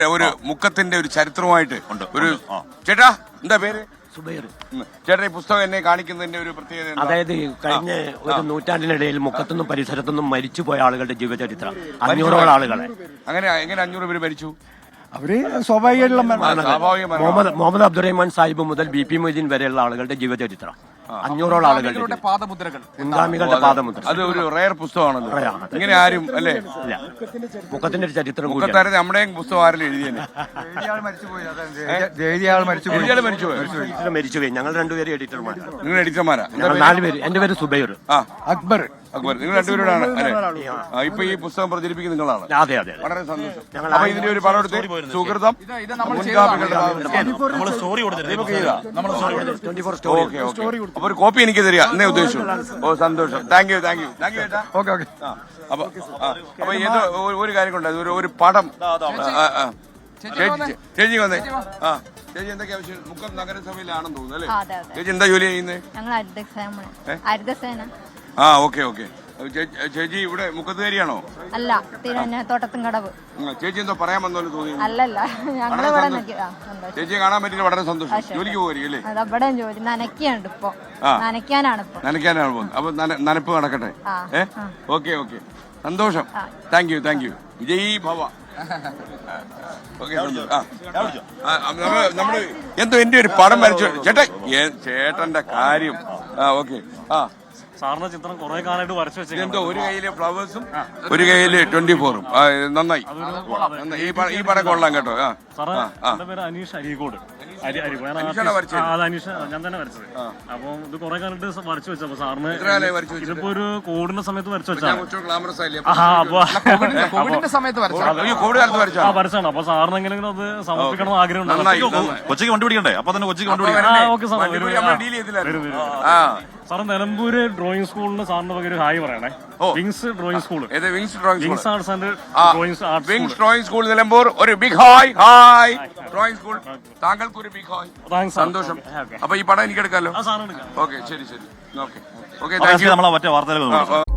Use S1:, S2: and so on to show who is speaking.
S1: ഒരു മുക്കത്തിന്റെ ഒരു ചരിത്രമായിട്ട് ഒരു ചേട്ടാ എന്താ പേര്?
S2: സുബൈർ.
S1: ചേട്ടാ ഈ പുസ്തകം എന്നെ കാണിക്കുന്നതിന്റെ ഒരു പ്രത്യേകത എന്താ?
S2: അതായത് കഴിഞ്ഞ ഒരു നൂറ്റാണ്ടിനിടയിൽ മുക്കത്തുനിന്നും പരിസരത്തുനിന്നും മരിച്ചുപോയ ആളുകളുടെ ജീവചരിത്രം 500ഓളം ആളുകളെ.
S1: അങ്ങനെ എങ്ങനെ 500 പേര് മരിച്ചു?
S3: അവര് സ്വാഭാവികമായിട്ടുള്ള
S2: മുഹമ്മദ് അബ്ദുറഹ്മാൻ സാഹിബ് മുതൽ BP മൊയ്തീൻ വരെയുള്ള ആളുകളുടെ ജീവചരിത്രം 500ഓളം ആളുകളുടെ
S4: പാദമുദ്രകൾ,
S2: മുൻഗാമികളുടെ പാദമുദ്ര.
S1: അത് ഒരു റയർ പുസ്തകമാണല്ലോ. ഇങ്ങനെ ആരും അല്ലേ
S2: ഇല്ല, മുക്കത്തിന്റെ ഒരു ചരിത്രം
S1: മുക്കത്താരെ നമ്മുടെയും പുസ്തകം ആരെങ്കിലും എഴുതിയല്ലേ?
S2: മരിച്ചുപോയി. ഞങ്ങൾ രണ്ടുപേരും എഡിറ്റർമാർ.
S1: നിങ്ങൾ എഡിറ്റർമാരാ?
S2: ഞങ്ങൾ 4 പേര്. എന്റെ പേര് സുബൈർ.
S3: അക്ബർ.
S1: നിങ്ങൾ രണ്ടുപേരോടാണ് അല്ലേ? ഇപ്പൊ ഈ പുസ്തകം പ്രചരിപ്പിക്കുന്ന നിങ്ങളാണ്.
S2: അതെ അതെ.
S1: വളരെ സന്തോഷം. അപ്പൊ ഇതിന്റെ ഒരു പടം എടുത്ത് സുഹൃതം അപ്പൊ ഒരു കോപ്പി എനിക്ക് തരിക എന്നേ ഉദ്ദേശിച്ചു. ഓ സന്തോഷം. താങ്ക് യു ചേട്ടാ.
S3: ഓക്കെ.
S1: അപ്പൊ ഇത് ഒരു കാര്യം കൊണ്ട് ഒരു പടം ചേച്ചി വന്നേ. ചേച്ചി എന്തൊക്കെയാ ആവശ്യം? മുക്കം നഗരസഭയിലാണെന്ന് തോന്നുന്നു അല്ലേ? ചേച്ചി എന്താ ജോലി ചെയ്യുന്നത്? ഓക്കെ. ചേച്ചി ഇവിടെ മുക്കത്തുകാരിയാണോ?
S5: അല്ല, തോട്ടത്തും കടവ്.
S1: ചേച്ചി എന്തോ പറയാൻ വന്നോന്ന് തോന്നി.
S5: അല്ലല്ല,
S1: ചേച്ചിയെ കാണാൻ പറ്റില്ല, വളരെ സന്തോഷം. ജോലിക്ക് പോകുമായിരിക്കും അല്ലേ?
S5: അവിടെ ജോലി നനയ്ക്കാണ് ഇപ്പൊ. നനയ്ക്കാനാണ് പോകുന്നത്.
S1: അപ്പൊ നനപ്പ് നടക്കട്ടെ. ഓക്കെ സന്തോഷം. താങ്ക് യു വിജയ് ഭവ. നമ്മള് എന്തോ എന്റെ ഒരു പടം വരച്ചു ചേട്ടന്റെ കാര്യം. ഓക്കെ.
S6: സാറിന്റെ ചിത്രം കുറെ കാലമായിട്ട് വരച്ചു വെച്ചത്.
S1: എന്തോ ഒരു കയ്യില് ഫ്ലവേഴ്സും ഒരു കയ്യില് 24ഉം. നന്നായി. ഈ പടം കൊള്ളാം കേട്ടോ.
S6: സാറേ, എന്റെ പേര് അനീഷ് അരീക്കോട്. അനീഷ് ഞാൻ തന്നെ വരച്ചത്. അപ്പൊ ഇത് കുറെ കാലത്ത് വരച്ചു വെച്ചു. അപ്പൊ സാറിന് ഇതിപ്പോ ഒരു കോവിഡിന്റെ സമയത്ത് വരച്ചു വെച്ചാണ്. വരച്ചാണ്. അപ്പൊ സാറിന് എങ്ങനെയെങ്കിലും അത് സമർപ്പിക്കണം ആഗ്രഹം
S4: കൊച്ചിക്ക് കണ്ടുപിടിക്കണ്ടേ? അപ്പൊ തന്നെ കൊച്ചിക്ക് കണ്ടുപിടിക്കണം.
S6: Okay sir. Sir Nilambur drawing സ്കൂളിന് സാറിന്റെ വക ഒരു ഹായ് പറയണേ. Wings drawing school. Wings arts and
S1: drawing school Nilambur. ഒരു ബിഗ് ഹായ് ഡ്രോയിങ് സ്കൂൾ. താങ്കൾക്ക് ഒരു ബിഗ് ഹായ്. സന്തോഷം. അപ്പൊ ഈ പടം എനിക്ക് എടുക്കാമല്ലോ?
S6: സാറിന് എടുക്കാം.
S1: ഓക്കെ ശരി. Okay thank you.
S4: നമ്മളെ മറ്റേ വാർത്തകൾ